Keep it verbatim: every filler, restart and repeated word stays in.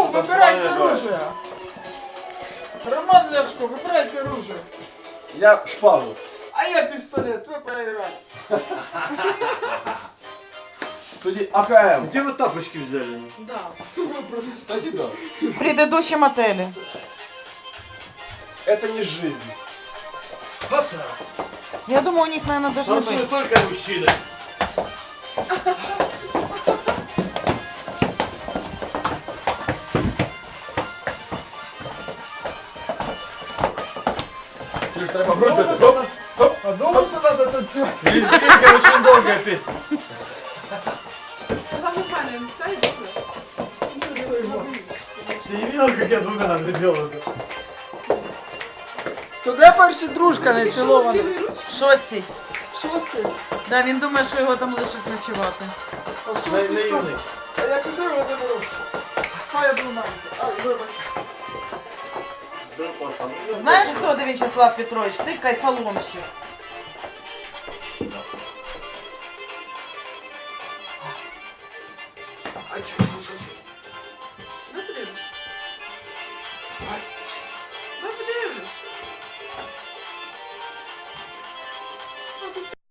выбирайте оружие. Роман Ляшко, выбирайте оружие. Я шпагу. А я пистолет, вы проиграли. Тоді АКМ. Где вы тапочки взяли? Да, сука, просто. Кстати, да. В предыдущем отеле. Это не жизнь. Паса! Я думаю, у них, наверное, должны быть. Танцуют только мужчины. Треба Думаю, что надо- а думаю, что надо танцевать. Лезгинка очень долгая песня. Замухаем, сайдите. Ты не видел, как я двумя ногами делаю? Туди перші дружка не цілована. Шостій. Шостий. Да, він думає, що його там лишать ночувати. А На- шостий хто? наивный. А я куди його заберу? Хай обламається. Ай, вибач. Да, пацан. Знаєш, хто ти, Вячеслав Петрович? Ти кайфоломщик. А чё, чё, чё, чё? Да подивимось. Да подивимось.